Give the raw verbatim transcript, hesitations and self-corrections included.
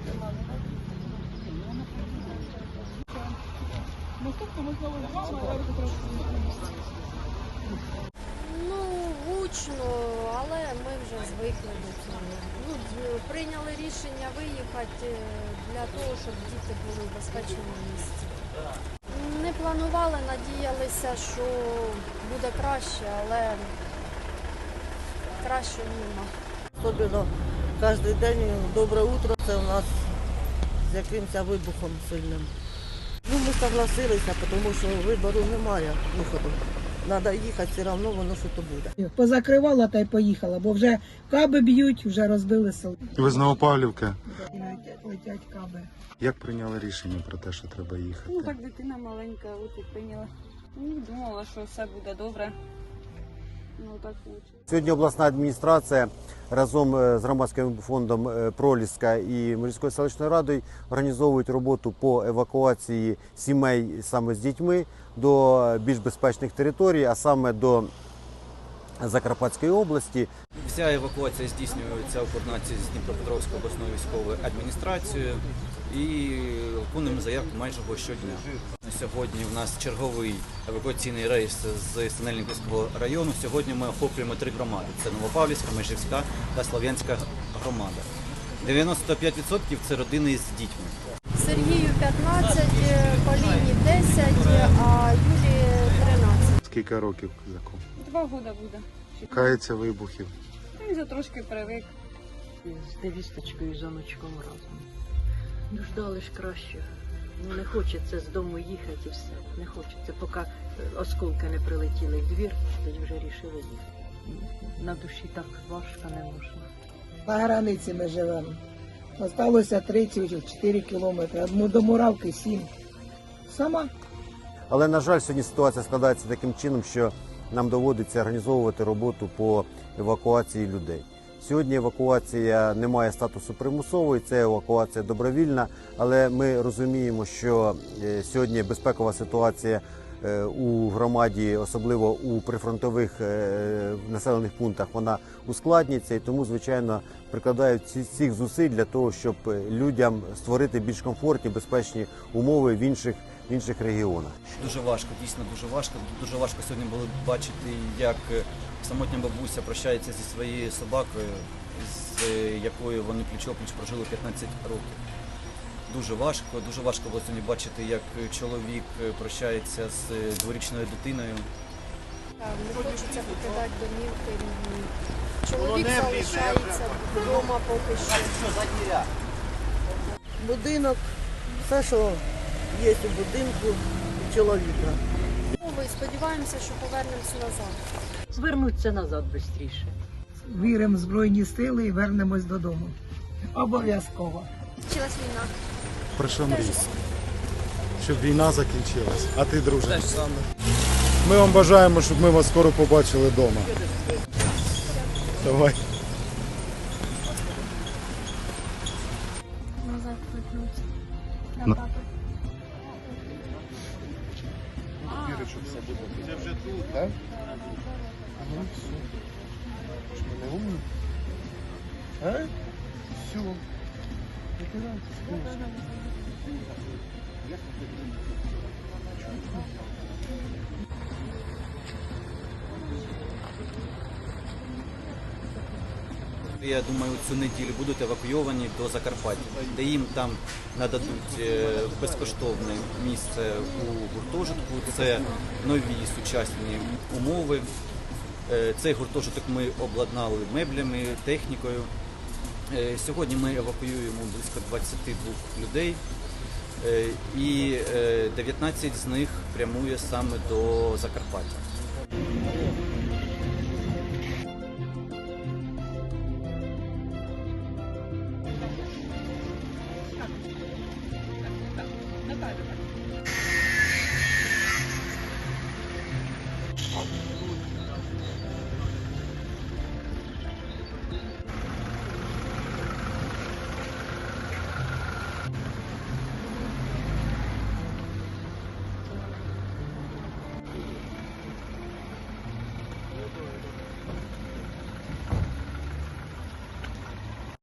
Ну, гучно, але ми вже звикли до цього. Ну, прийняли рішення виїхати для того, щоб діти були в безпечному місці. Не планували, надіялися, що буде краще, але краще нема. Особливо кожен день добре утро, це у нас з якимось вибухом сильним. Ну, ми согласилися, тому що вибору немає виходу. Треба їхати, все одно воно що то буде. Позакривала та й поїхала, бо вже каби б'ють, вже розбили село. Ви з Новопавлівки? Летять, летять каби. Як прийняли рішення про те, що треба їхати? Ну так дитина маленька, от і прийняла. Ну, думала, що все буде добре. Ну так вийшло. Сьогодні обласна адміністрація разом з громадським фондом «Проліска» і Мирівською селищною радою організовують роботу по евакуації сімей саме з дітьми до більш безпечних територій, а саме до Закарпатської області. Вся евакуація здійснюється у координації з Дніпропетровською обласною військовою адміністрацією і виконуємо заявки майже щодня. Сьогодні у нас черговий евакуаційний рейс з Синельниківського району. Сьогодні ми охоплюємо три громади. Це Новопавлівська, Межівська та Слов'янська громада. дев'яносто п'ять відсотків це родини з дітьми. Сергію п'ятнадцять, Поліні десять, а Юлії тринадцять. Скільки років козаку? Два роки буде. Кається вибухів. Він вже трошки привик. З невісточкою і жіночком разом. Ну, ждали ж краще. Ну, не хочеться з дому їхати і все. Не хочеться, поки осколки не прилетіли в двір, тоді вже рішили їхати. На душі так важко не можна. На границі ми живемо. Осталося три-чотири кілометри, до Муравки сім. Сама. Але, на жаль, сьогодні ситуація складається таким чином, що нам доводиться організовувати роботу по евакуації людей. Сьогодні евакуація не має статусу примусової, це евакуація добровільна, але ми розуміємо, що сьогодні безпекова ситуація у громаді, особливо у прифронтових населених пунктах, вона ускладнюється і тому, звичайно, прикладають всіх зусиль для того, щоб людям створити більш комфортні, безпечні умови в інших, в інших регіонах. Дуже важко, дійсно дуже важко. Дуже важко сьогодні було бачити, як самотня бабуся прощається зі своєю собакою, з якою вони пліч-опліч прожили п'ятнадцять років. Дуже важко, дуже важко було сьогодні бачити, як чоловік прощається з дворічною дитиною. Так, не хочеться покидати домівки рідні. Чоловік залишається вдома поки що. Будинок, все, що є у будинку, у чоловіка. Ми сподіваємося, що повернемося назад. Звернуться назад швидше. Віримо в Збройні сили і вернемось додому. Обов'язково. Почалась війна. Про що мрієш? Щоб війна закінчилась. А ти, друже? Те ж саме. Ми вам бажаємо, щоб ми вас скоро побачили вдома. Давай. Назад вернуться. На папи. Це вже тут, так? Ага, все. Що, ми не умні? А? Все. Я думаю, цю неділю будуть евакуйовані до Закарпаття, де їм там нададуть безкоштовне місце у гуртожитку. Це нові сучасні умови. Цей гуртожиток ми обладнали меблями, технікою. Сьогодні ми евакуюємо близько двадцяти двох людей, і дев'ятнадцять з них прямує саме до Закарпаття.